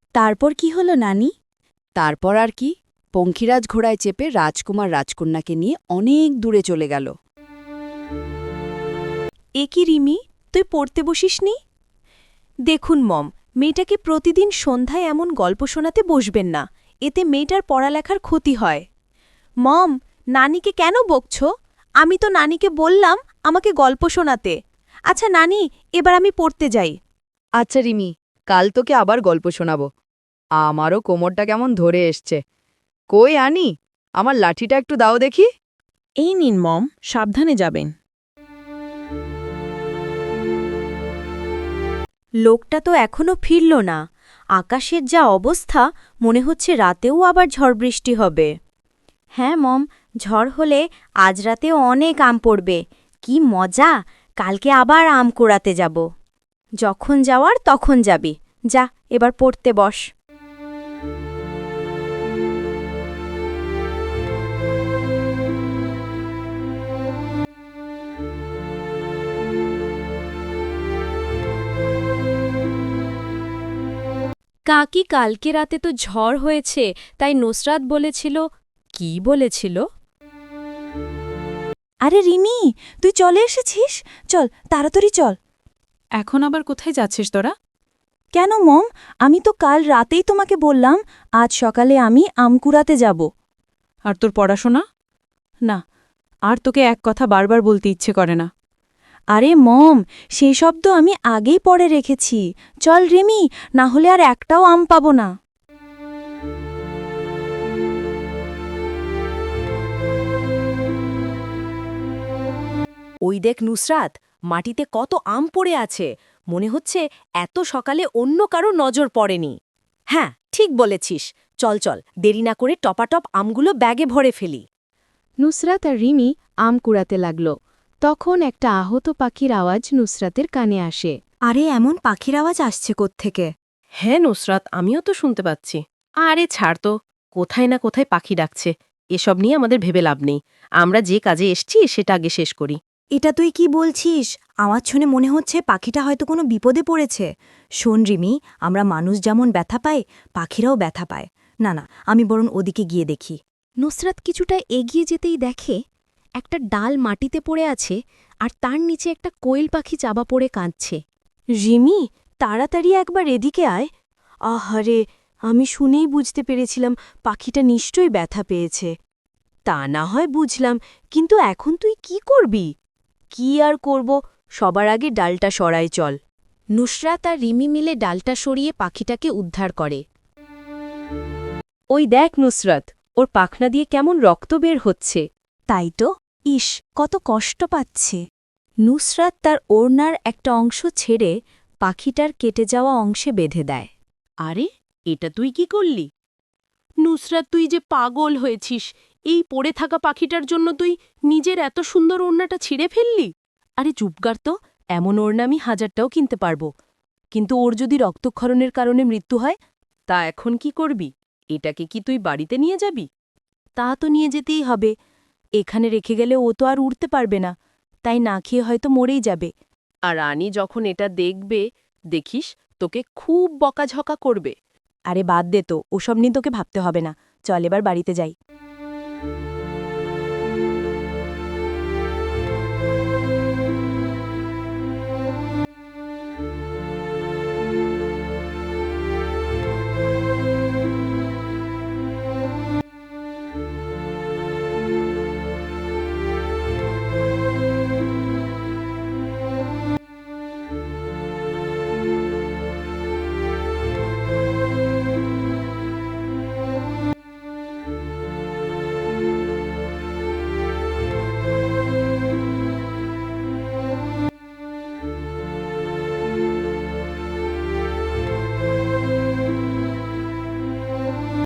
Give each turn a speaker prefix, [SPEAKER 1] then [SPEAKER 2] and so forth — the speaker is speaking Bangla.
[SPEAKER 1] তারপর কি হলো নানি?
[SPEAKER 2] তারপর আর কি, পঙ্খিরাজ ঘোড়ায় চেপে রাজকুমার রাজকন্যাকে নিয়ে অনেক দূরে চলে গেল।
[SPEAKER 3] এ কি রিমি, তুই পড়তে বসিসনি? দেখুন মম, মেয়েটাকে প্রতিদিন সন্ধ্যায় এমন গল্প শোনাতে বসবেন না, এতে মেয়েটার পড়ালেখার ক্ষতি হয়। মম, নানিকে কেন বকছ? আমি তো নানিকে বললাম আমাকে গল্প শোনাতে। আচ্ছা নানি, এবার আমি পড়তে যাই।
[SPEAKER 2] আচ্ছা রিমি, কাল তোকে আবার গল্প শোনাবো। আমারও কোমরটা কেমন ধরে এসছে। কই আনি, আমার লাঠিটা একটু দাও দেখি।
[SPEAKER 1] এই নিন মম, সাবধানে যাবেন।
[SPEAKER 3] লোকটা তো এখনো ফিরল না। আকাশের যা অবস্থা, মনে হচ্ছে রাতেও আবার ঝড় বৃষ্টি হবে। হ্যাঁ মম, ঝড় হলে আজ রাতেও অনেক আম পড়বে। কি মজা, কালকে আবার আম কুড়াতে যাব। যখন যাওয়ার তখন যাবি, যা এবার পড়তে বস। কাকি কালকে রাতে তো ঝড় হয়েছে, তাই নুসরাত বলেছিল। কি বলেছিল?
[SPEAKER 1] আরে রিমি, তুই চলে এসেছিস? চল তাড়াতাড়ি চল।
[SPEAKER 4] এখন আবার কোথায় যাচ্ছিস তোরা?
[SPEAKER 1] কেন মম, আমি তো কাল রাতেই তোমাকে বললাম আজ সকালে আমি আম কুড়াতে যাব।
[SPEAKER 4] আর তোর পড়াশোনা? না, আর তোকে এক কথা বারবার বলতে ইচ্ছে করে না।
[SPEAKER 1] আরে মম, সেই শব্দ আমি আগেই পড়ে রেখেছি। চল রিমি, না হলে আর একটাও আম পাবো না।
[SPEAKER 3] ওই দেখ নুসরাত, মাটিতে কত আম পড়ে আছে। মনে হচ্ছে এত সকালে অন্য কারো নজর পড়েনি। হ্যাঁ, ঠিক বলেছিস। চল চল, দেরি না করে টপাটপ আমগুলো ব্যাগে ভরে ফেলি।
[SPEAKER 5] নুসরাত আর রিমি আম কুড়াতে লাগল। তখন একটা আহত পাখির আওয়াজ নুসরাতের কানে আসে।
[SPEAKER 3] আরে এমন পাখির আওয়াজ আসছে কোত্থেকে?
[SPEAKER 6] হ্যাঁ নুসরাত, আমিও তো শুনতে পাচ্ছি। আরে ছাড় তো, কোথায় না কোথায় পাখি ডাকছে। এসব নিয়ে আমাদের ভেবে লাভ নেই। আমরা যে কাজে এসছি সেটা আগে শেষ করি।
[SPEAKER 3] এটা তুই কি বলছিস? আওয়াজ শুনে মনে হচ্ছে পাখিটা হয়তো কোনো বিপদে পড়েছে। শোন রিমি, আমরা মানুষ যেমন ব্যথা পাই, পাখিরাও ব্যথা পায়। না না, আমি বরং ওদিকে গিয়ে দেখি।
[SPEAKER 5] নুসরাত কিছুটা এগিয়ে যেতেই দেখে একটা ডাল মাটিতে পড়ে আছে, আর তার নিচে একটা কোয়েল পাখি চাবা পড়ে কাঁদছে।
[SPEAKER 3] রিমি, তাড়াতাড়ি একবার এদিকে আয়। আহারে, আমি শুনেই বুঝতে পেরেছিলাম পাখিটা নিশ্চয়ই ব্যথা পেয়েছে। তা না হয় বুঝলাম, কিন্তু এখন তুই কি করবি? কি আর করব, সবার আগে ডালটা সরাই চল।
[SPEAKER 5] নুসরাত আর রিমি মিলে ডালটা সরিয়ে পাখিটাকে উদ্ধার করে।
[SPEAKER 3] ওই দেখ নুসরাত, ওর পাখনা দিয়ে কেমন রক্ত বের হচ্ছে। তাই তো, ইস, কত কষ্ট পাচ্ছে। নুসরাত তার ওড়নার একটা অংশ ছেড়ে পাখিটার কেটে যাওয়া অংশে বেঁধে দেয়।
[SPEAKER 6] আরে, এটা তুই কি করলি? নুসরাত, তুই যে পাগল হয়েছিস। এই পড়ে থাকা পাখিটার জন্য তুই নিজের এত সুন্দর ওড়নাটা ছিঁড়ে ফেললি? আরে চুপগার তো, এমন ওড়না আমি 1000টাও কিনতে পারবো। কিন্তু ওর যদি রক্তক্ষরণের কারণে মৃত্যু হয়, তা এখন কি করবি? এটাকে কি তুই বাড়িতে নিয়ে যাবি?
[SPEAKER 3] তা তো নিয়ে যেতেই হবে। এখানে রেখে গেলে ও তো আর উড়তে পারবে না, তাই না খেয়ে হয়তো মরেই যাবে।
[SPEAKER 6] আর রানী যখন এটা দেখবে, দেখিস, তোকে খুব বকাঝকা করবে।
[SPEAKER 3] আরে বাদ দে তো, ওসব নিয়ে তোকে ভাবতে হবে না। চল এবার বাড়িতে যাই।